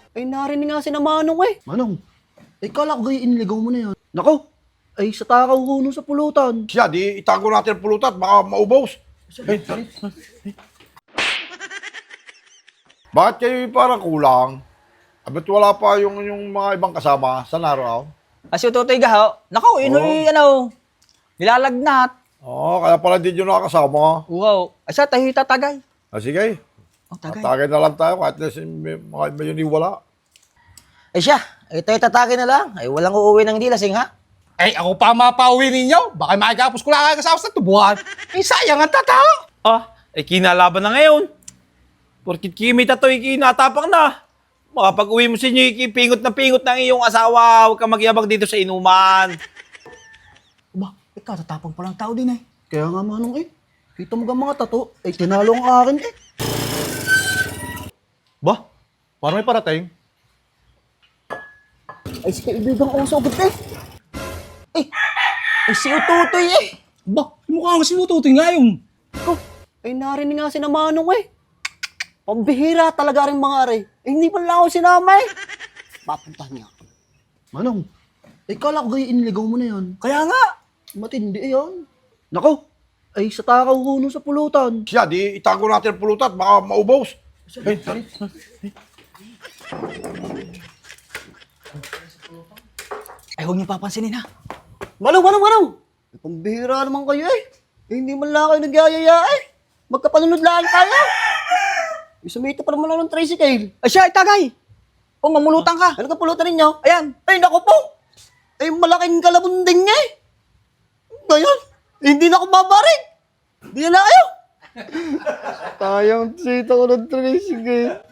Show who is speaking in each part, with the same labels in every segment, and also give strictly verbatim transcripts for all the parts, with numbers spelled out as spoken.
Speaker 1: Ay, narinig nga si na Manong eh.
Speaker 2: Manong, eh kala ko gayon iniligaw mo na yan. Nako, ay sa takaw ko nun sa pulutan.
Speaker 3: Siya, di itago natin ang pulutan, baka maubos. Eh, bakit kayo parang kulang? Abit wala pa yung, yung mga ibang kasama sa naraw?
Speaker 4: As yung tutoy gaho, nako, yun
Speaker 3: Oo.
Speaker 4: yung ano, nilalagnat.
Speaker 3: Oo, oh, kaya pala din yung nakakasama.
Speaker 4: Wow. Asa tayo tatagay.
Speaker 3: Ah, sige,
Speaker 4: Oh, tagay.
Speaker 3: tatagay na lang tayo kahit na si may- mga iba yun iwala.
Speaker 4: Ay siya, ay tayo tatagay na lang. Ay walang uuwi ng di lasing ha.
Speaker 5: Ay, ako pa mapauwi ninyo. Baka makikapos ko lang kayo kasama sa tubuhan. Ay, sayang ang tatao.
Speaker 6: Ah, eh kinalaban na ngayon. Porkit kimita to, ikinatapang na. Makapag-uwi mo sa inyo, ikipingot na pingot ng iyong asawa. Huwag ka magyabang dito sa inuman.
Speaker 4: Ba, ikaw tatapang palang tao din eh.
Speaker 2: Kaya nga Manong eh, kita mo ga mga tato, ay tinalo ang akin eh.
Speaker 7: Ba? Parang may parating.
Speaker 2: Ay si kaibigang oso agad eh.
Speaker 4: Eh, ay si ututoy eh.
Speaker 5: Ba, mukha nga sinututoy nga yun.
Speaker 1: Ko, ay narinig nga si na Manong eh. Pambihira talaga rin mga are. Eh, hindi pa lang ako sinama eh. Papuntahan niya.
Speaker 2: Manong, eh kala ko gayon iniligaw mo na yan.
Speaker 4: Kaya nga.
Speaker 2: Matindi eh yan. Nako, ay sa takaw ko nun sa pulutan.
Speaker 3: Siya, di itago natin ang pulutan, baka maubos. Eh,
Speaker 4: Ay huwag niyo papansinin ha.
Speaker 1: Manong, Manong, Manong! Ay, pambihira naman kayo eh. Eh, hindi man lang kayo nagyayaya eh. Magkapanunod lang tayo. Isumito pa naman lang ng tricycle.
Speaker 4: Ay siya, ay tagay. O mamulutan ka.
Speaker 1: Ano ka pulutan ninyo?
Speaker 4: Ayan.
Speaker 1: Ay, naku po! Ay, malaking kalabunding niya eh. Ngayon, hindi na ako babarig. Hindi na kayo.
Speaker 2: Tayang sita ko ng tricycle.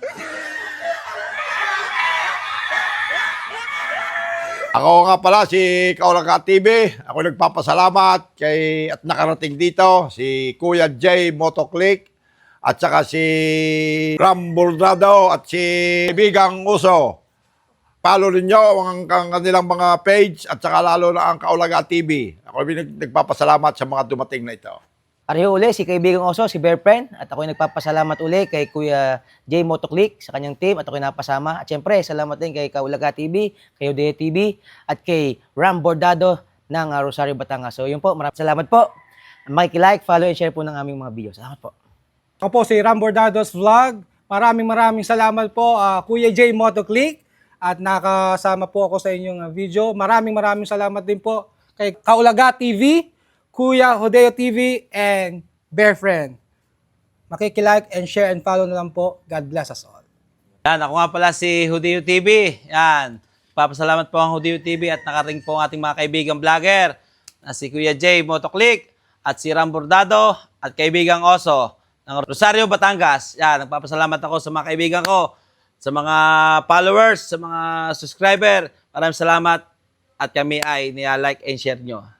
Speaker 3: Ako nga pala si Kaulaga T V. Ako nagpapasalamat kay at nakarating dito si Kuya J Motoclick at saka si Ram Bordado at si Bigang Uso. Follow ninyo ang, ang kanilang mga page at saka lalo na ang Kaulaga T V. Ako nag- nagpapasalamat sa mga dumating na ito.
Speaker 4: Ariho uli, si kaibigang Oso, si Bear Friend. At ako'y nagpapasalamat uli kay Kuya J Motoclick sa kanyang team at ako'y napasama. At syempre, salamat din kay Kaulaga T V, kay Odea T V, at kay Ram Bordado ng uh, Rosario, Batangas. So yun po, maraming salamat po. Makikilike, follow, and share po ng aming mga video. Salamat po.
Speaker 5: Ako po si Ram Bordados Vlog. Maraming maraming salamat po, ah, Kuya J Motoclick. At nakasama po ako sa inyong ah, video. Maraming maraming salamat din po kay Kaulaga T V, Kuya Hodeo T V, and Bear Friend. Makikilike and share and follow na lang po. God bless us all.
Speaker 6: Yan, ako nga pala si Hudeo T V. Yan, papasalamat po ang Hudeo T V at nakarating po ang ating mga kaibigang vlogger na si Kuya J Motoclick at si Ram Bordado at kaibigang Oso ng Rosario, Batangas. Yan, nagpapasalamat ako sa mga kaibigan ko, sa mga followers, sa mga subscriber. Maraming salamat at kami ay niya like and share nyo.